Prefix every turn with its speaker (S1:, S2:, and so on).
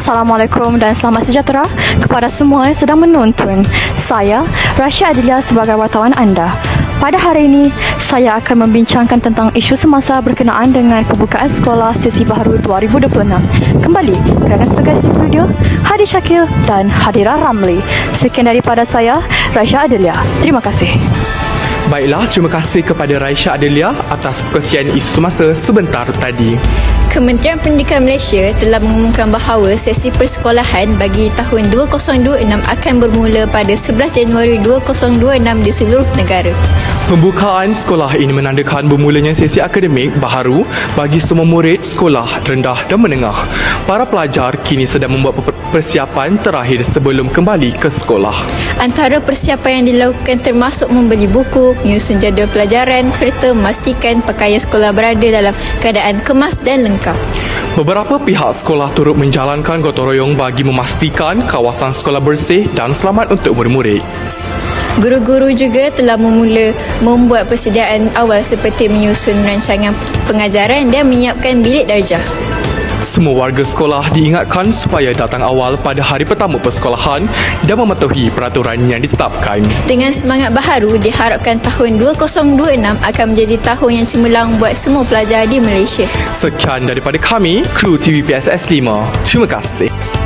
S1: Assalamualaikum dan selamat sejahtera kepada semua yang sedang menonton. Saya, Rasya Adilia sebagai wartawan anda. Pada hari ini, saya akan membincangkan tentang isu semasa berkenaan dengan pembukaan sekolah sesi baharu 2026. Kembali kerana setugas di studio, Hadi Syakil dan Hadira Ramli. Sekian daripada saya, Rasya Adilia. Terima kasih.
S2: Baiklah, terima kasih kepada Raisya Adelia atas perkongsian isu semasa sebentar tadi.
S3: Kementerian Pendidikan Malaysia telah mengumumkan bahawa sesi persekolahan bagi tahun 2026 akan bermula pada 11 Januari 2026 di seluruh negara.
S2: Pembukaan sekolah ini menandakan bermulanya sesi akademik baharu bagi semua murid sekolah rendah dan menengah. Para pelajar kini sedang membuat persiapan terakhir sebelum kembali ke sekolah.
S3: Antara persiapan yang dilakukan termasuk membeli buku, menyusun jadual pelajaran serta memastikan pakaian sekolah berada dalam keadaan kemas dan lengkap.
S2: Beberapa pihak sekolah turut menjalankan gotong royong bagi memastikan kawasan sekolah bersih dan selamat untuk murid-murid.
S3: Guru-guru juga telah membuat persediaan awal seperti menyusun rancangan pengajaran dan menyiapkan bilik darjah.
S2: Semua warga sekolah diingatkan supaya datang awal pada hari pertama persekolahan dan mematuhi peraturan yang ditetapkan.
S3: Dengan semangat baharu, diharapkan tahun 2026 akan menjadi tahun yang cemerlang buat semua pelajar di Malaysia.
S2: Sekian daripada kami, kru TVPSS 5. Terima kasih.